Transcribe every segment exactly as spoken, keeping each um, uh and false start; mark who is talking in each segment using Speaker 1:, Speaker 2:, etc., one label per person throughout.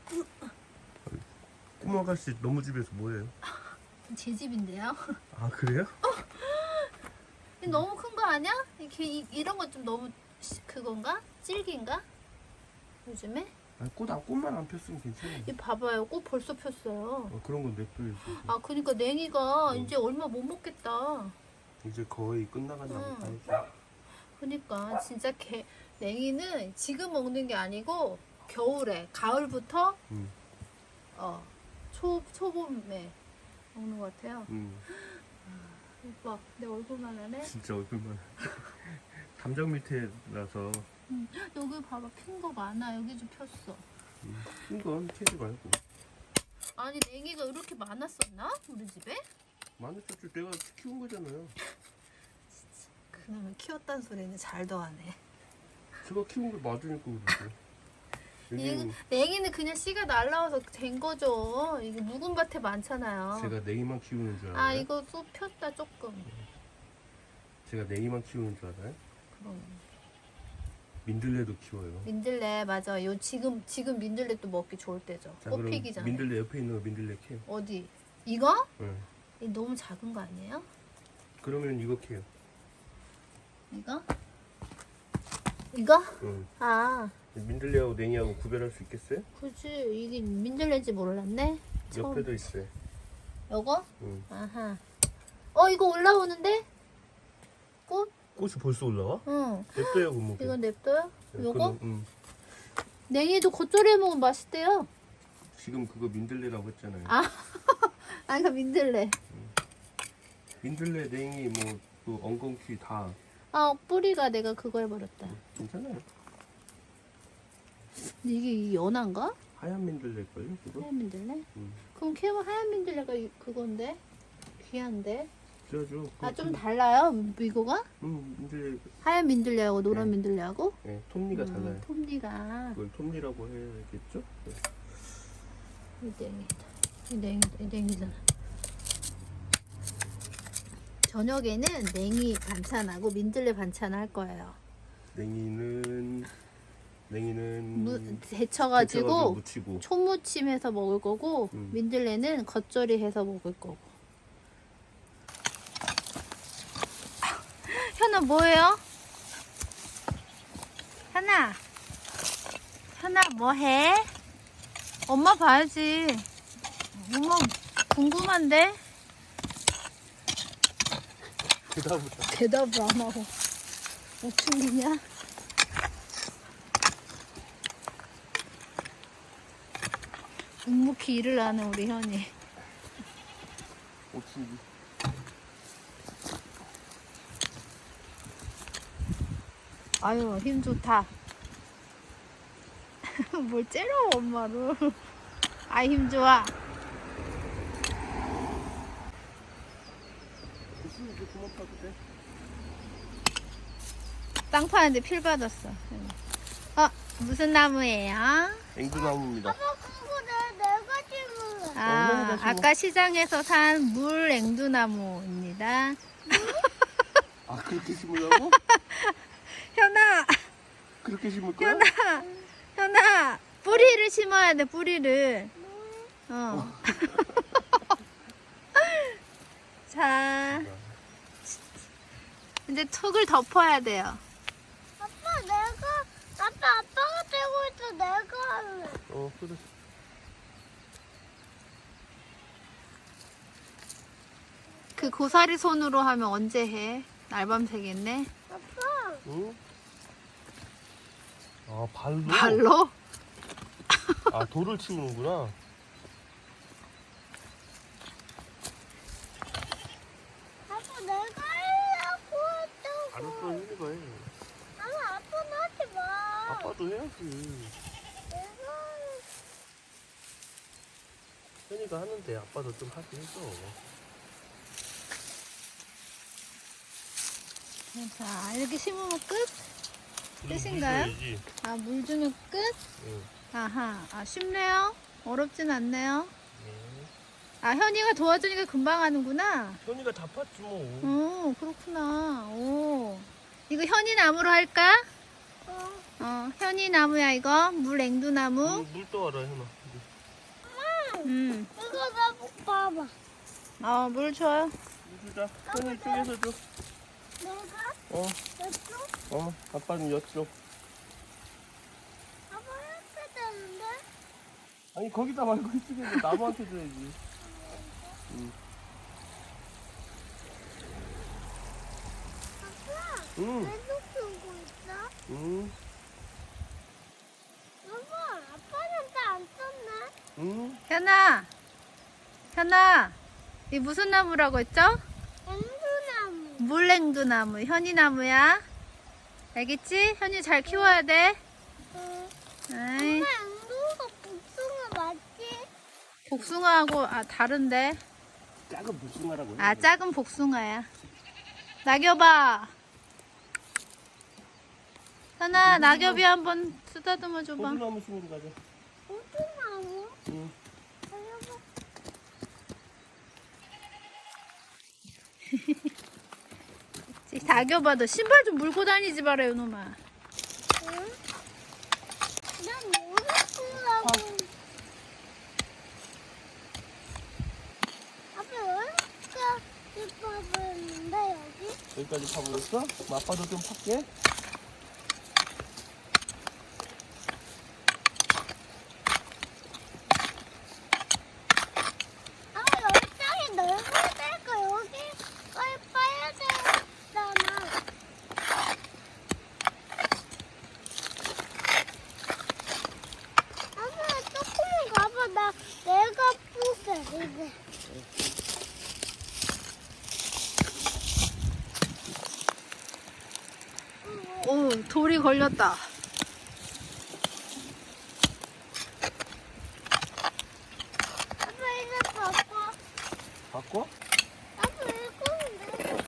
Speaker 1: 꼬마 아가씨 너무 집에서 뭐해요?
Speaker 2: 제 집인데요.
Speaker 1: 아 그래요?
Speaker 2: 이거 너무 큰 거 아니야? 이렇게 이, 이런 거 좀 너무 시- 그건가? 질긴가? 요즘에?
Speaker 1: 아니 꽃, 안- 꽃만 안 폈으면 괜찮아요.
Speaker 2: 이 봐봐요. 꽃 벌써 폈어요.
Speaker 1: 어, 그런 건 냅둬야지.
Speaker 2: 아 그러니까 냉이가
Speaker 1: 응.
Speaker 2: 이제 얼마 못 먹겠다.
Speaker 1: 이제 거의 끝나갔나
Speaker 2: 응.
Speaker 1: 보다. 해서.
Speaker 2: 그러니까 진짜 개, 냉이는 지금 먹는 게 아니고 겨울에 가을부터
Speaker 1: 응.
Speaker 2: 어, 초, 초봄에 먹는 것 같아요.
Speaker 1: 응.
Speaker 2: 오빠 내 얼굴만 하네.
Speaker 1: 진짜 얼굴만. 담장 밑에라서
Speaker 2: 응. 여기 봐봐 핀 거 많아. 여기 좀 폈어.
Speaker 1: 이건 캐지 말고.
Speaker 2: 아니 냉이가 이렇게 많았었나? 우리 집에?
Speaker 1: 마늘초주 내가 키운 거잖아요.
Speaker 2: 그놈을 키웠단 소리는 잘 더하네.
Speaker 1: 제가 키운 게 맞으니까 그러죠.
Speaker 2: 이거,
Speaker 1: 여기는
Speaker 2: 냉이는 그냥 씨가 날라와서 된 거죠. 이게 묵은 밭에 많잖아요.
Speaker 1: 제가 냉이만 키우는 줄 알아요.
Speaker 2: 아 이거 쑥 폈다 조금.
Speaker 1: 제가 냉이만 키우는 줄 알아요?
Speaker 2: 그럼
Speaker 1: 민들레도 키워요.
Speaker 2: 민들레 맞아. 요 지금 지금 민들레 또 먹기 좋을 때죠.
Speaker 1: 자,
Speaker 2: 꽃
Speaker 1: 그럼
Speaker 2: 피기 전에.
Speaker 1: 민들레 옆에 있는 거 민들레 캐요.
Speaker 2: 어디? 이거?
Speaker 1: 응.
Speaker 2: 이 너무 작은 거 아니에요?
Speaker 1: 그러면 이거 캐요.
Speaker 2: 이거? 이거?
Speaker 1: 응.
Speaker 2: 아,
Speaker 1: 민들레하고 냉이하고 구별할 수 있겠어요?
Speaker 2: 그치. 이게 민들레인지 몰랐네. 처음.
Speaker 1: 옆에도 있어요.
Speaker 2: 요거?
Speaker 1: 응.
Speaker 2: 아하. 어, 이거 올라오는데? 꽃?
Speaker 1: 꽃이 벌써 올라와?
Speaker 2: 응.
Speaker 1: 냅둬요, 그럼.
Speaker 2: 이거 냅둬요?
Speaker 1: 네,
Speaker 2: 요거?
Speaker 1: 응.
Speaker 2: 냉이도 겉절이에 먹으면 맛있대요.
Speaker 1: 지금 그거 민들레라고 했잖아요.
Speaker 2: 아, 아, 이거 민들레.
Speaker 1: 민들레, 냉이, 뭐, 또 엉겅퀴 다
Speaker 2: 아, 뿌리가 내가 그거 해버렸다.
Speaker 1: 괜찮아요.
Speaker 2: 근데 이게 이 연한가?
Speaker 1: 하얀 민들레걸요, 그거?
Speaker 2: 하얀 민들레?
Speaker 1: 응.
Speaker 2: 그럼 캐면 하얀 민들레가 이- 그건데? 귀한데?
Speaker 1: 그래가지고.
Speaker 2: 아, 좀 달라요? 이거가?
Speaker 1: 응, 민들레,
Speaker 2: 하얀 민들레하고 노란
Speaker 1: 네.
Speaker 2: 민들레하고?
Speaker 1: 네, 톱니가
Speaker 2: 음,
Speaker 1: 달라요.
Speaker 2: 톱니가.
Speaker 1: 그걸 톱니라고 해야겠죠? 네.
Speaker 2: 이 냉이다. 이 냉이다. 이 냉이잖아. 저녁에는 냉이 반찬하고 민들레 반찬 할 거예요.
Speaker 1: 냉이는, 냉이는.
Speaker 2: 무,
Speaker 1: 데쳐가지고
Speaker 2: 데쳐가지고
Speaker 1: 무치고.
Speaker 2: 초무침 해서 먹을 거고
Speaker 1: 음.
Speaker 2: 민들레는 겉절이 해서 먹을 거고. 현아 뭐해요? 현아 현아 뭐해? 엄마 봐야지. 엄마 궁금한데?
Speaker 1: 그다음부터.
Speaker 2: 대답을 안 하고 우충이냐? 묵묵히 일을 하는 우리 현이.
Speaker 1: 오춘기.
Speaker 2: 아유 힘 좋다. 뭘 째려 엄마를. 아 힘 좋아.
Speaker 1: 무슨 이제 그만 파도 돼?
Speaker 2: 땅 파는데 필 받았어. 어 무슨 나무예요?
Speaker 1: 앵두나무입니다.
Speaker 3: 그거 내, 내가 심은
Speaker 2: 아
Speaker 1: 얼마나 심어?
Speaker 2: 아까 시장에서 산 물 앵두나무입니다.
Speaker 1: 아, 그렇게 심으려고?
Speaker 2: 현아
Speaker 1: 그렇게 심을 거야?
Speaker 2: 현아 현아 뿌리를 심어야 돼 뿌리를. 어. 자 이제 턱을 덮어야 돼요.
Speaker 3: 아빠 내가 아빠 아빠가 들고 있어 내가 할래.
Speaker 1: 어, 그래.
Speaker 2: 그 고사리 손으로 하면 언제 해? 날밤 새겠네.
Speaker 3: 아빠
Speaker 1: 응? 아, 발로?
Speaker 2: 발로?
Speaker 1: 아, 돌을 치는구나.
Speaker 3: 아빠 내가 하려고 했다고.
Speaker 1: 알았어, 해봐. 해.
Speaker 3: 아니 아빠는 하지 마.
Speaker 1: 아빠도 해야지.
Speaker 3: 내가
Speaker 1: 현이가 하는데 아빠도 좀 하게 해줘.
Speaker 2: 자 이렇게 심으면 끝?
Speaker 1: 그리고
Speaker 2: 끝인가요?
Speaker 1: 물 줘야지.
Speaker 2: 아 물 주면 끝?
Speaker 1: 응.
Speaker 2: 아하 아 쉽네요. 어렵진 않네요.
Speaker 1: 네.
Speaker 2: 아 현이가 도와주니까 금방 하는구나.
Speaker 1: 현이가 다 팠지 뭐.
Speaker 2: 오 그렇구나. 오 이거 현이 나무로 할까?
Speaker 3: 어,
Speaker 2: 어 현이 나무야 이거 물 앵두나무.
Speaker 1: 물, 물 떠와라, 현아. 이제.
Speaker 2: 음.
Speaker 3: 이거 나 봐봐.
Speaker 2: 어, 물 줘요.
Speaker 1: 주자. 현이 쪽에서 줘.
Speaker 3: 내가
Speaker 1: 어,
Speaker 3: 이쪽
Speaker 1: 어, 아빠는 이쪽.
Speaker 3: 아빠 이렇게 되는데?
Speaker 1: 아니 거기다 말고 이쪽에 줘. 나무한테 줘야지. 응.
Speaker 3: 아빠
Speaker 1: 응.
Speaker 3: 계속 들고 있어?
Speaker 1: 응.
Speaker 3: 여보, 아빠는 다 안 썼네.
Speaker 1: 응.
Speaker 2: 현아. 현아. 이 무슨 나무라고 했죠?
Speaker 3: 앵두나무.
Speaker 2: 물냉두나무. 현이나무야. 알겠지? 현이 잘 키워야 돼.
Speaker 3: 응.
Speaker 2: 에이.
Speaker 3: 엄마 앵두가 복숭아 맞지?
Speaker 2: 복숭아하고 아 다른데.
Speaker 1: 작은 복숭아라고.
Speaker 2: 아, 작은 복숭아야. 낙엽아. 현아, 낙엽이 한번 쓰다듬어 줘봐.
Speaker 1: 호두나무 심으러 가자.
Speaker 3: 복숭아무?
Speaker 1: 응.
Speaker 3: 여보,
Speaker 2: 낙엽아, 너 신발 좀 물고 다니지 마라, 요놈아.
Speaker 3: 응? 난 모르겠다고. 아빠 여기까지 봐봤는데 여기?
Speaker 1: 여기까지 파보였어? 그럼 아빠도 좀 팔게.
Speaker 3: 아빠 여기 땅이 넓어야 되니까 여기 빨리 빠야 되잖아. 아빠 조금만 가봐. 나 내가 뿌게 이제.
Speaker 2: 오, 돌이 걸렸다.
Speaker 3: 아빠 이제 바꿔.
Speaker 1: 바꿔?
Speaker 3: 아빠 이거는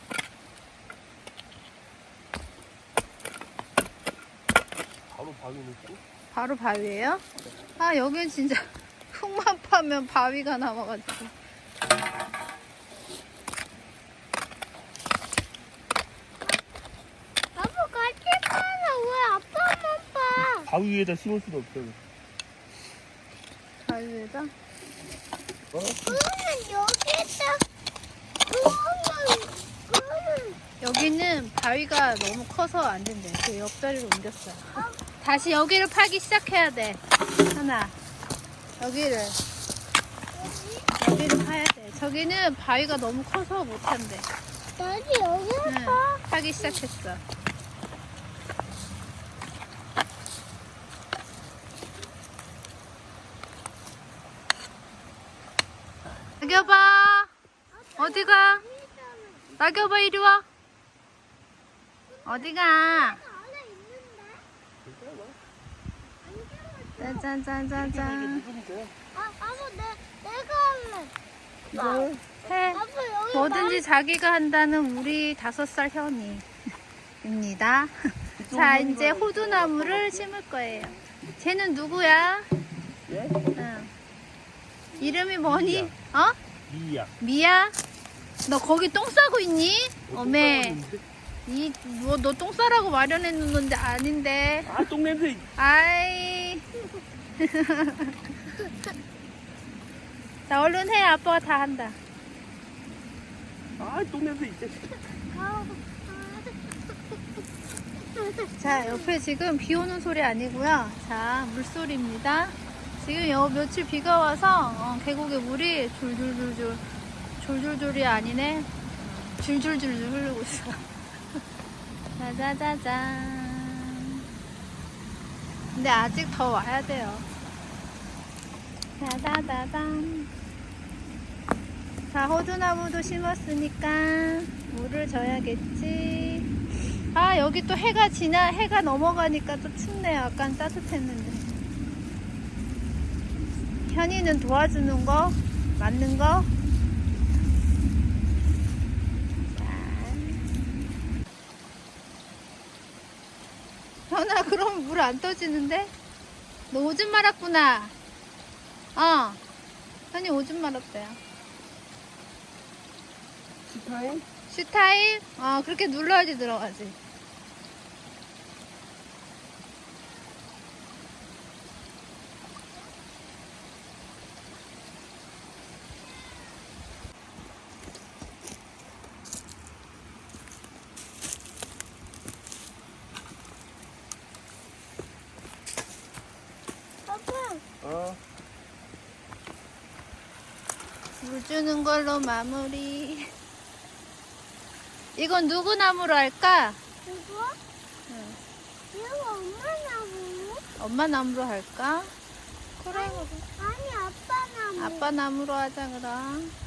Speaker 1: 바로 바위 넣고.
Speaker 2: 바로 바위예요? 아, 여긴 진짜 흙만 파면 바위가 나와가지고.
Speaker 3: 아빠 같이 파나 왜 아빠만 파?
Speaker 1: 바위 위에다 심을 수도 없어.
Speaker 2: 바위에다?
Speaker 1: 어?
Speaker 3: 그러면 여기다 그러면 그러면
Speaker 2: 여기는 바위가 너무 커서 안 된대. 그 옆자리로 옮겼어요. 다시 여기를 파기 시작해야 돼. 하나. 여기를.
Speaker 3: 여기
Speaker 2: 여기를 파야 돼. 저기는 바위가 너무 커서 못 한대.
Speaker 3: 다시 여기를
Speaker 2: 응,
Speaker 3: 파?
Speaker 2: 파기 시작했어. 낙엽아, 어디가? 낙엽아, 이리 와. 어디가?
Speaker 3: 안에 있는데?
Speaker 2: 짠짠짠짠짠.
Speaker 3: 아, 아빠 내 내가 할래.
Speaker 2: 해.
Speaker 3: 아빠 여기
Speaker 2: 뭐든지 자기가 한다는 우리 다섯 살 현이입니다. 자, 이제 호두나무를 심을 거예요. 쟤는 누구야?
Speaker 1: 예?
Speaker 2: 응. 이름이 뭐니? 어?
Speaker 1: 미야.
Speaker 2: 미야? 너 거기 똥 싸고 있니? 어메. 이, 뭐, 너 똥 싸라고 마련해 놓는데 아닌데.
Speaker 1: 아, 똥냄새.
Speaker 2: 아이. 자, 얼른 해. 아빠가 다 한다.
Speaker 1: 아, 똥냄새 있지.
Speaker 2: 자, 옆에 지금 비 오는 소리 아니고요. 자, 물소리입니다. 지금 요 며칠 비가 와서 어, 계곡에 물이 줄줄줄줄 줄줄줄이 아니네. 줄줄줄줄 흐르고 있어. 짜자자잔. 근데 아직 더 와야 돼요. 짜자자잔. 자, 호두나무도 심었으니까 물을 줘야겠지. 아, 여기 또 해가 지나, 해가 넘어가니까 또 춥네요. 약간 따뜻했는데. 현이는 도와주는 거, 맞는 거. 현아, 그럼 물 안 떠지는데? 너 오줌 말았구나. 어. 현이 오줌 말았대요.
Speaker 1: 스타일?
Speaker 2: 슈타임? 어, 그렇게 눌러야지 들어가지. 물 주는 걸로 마무리. 이건 누구 나무로 할까?
Speaker 3: 이거?
Speaker 2: 응.
Speaker 3: 이거 엄마 나무?
Speaker 2: 엄마 나무로 할까? 그래, 그래.
Speaker 3: 아니, 아빠 나무.
Speaker 2: 아빠 나무로 하자, 그럼.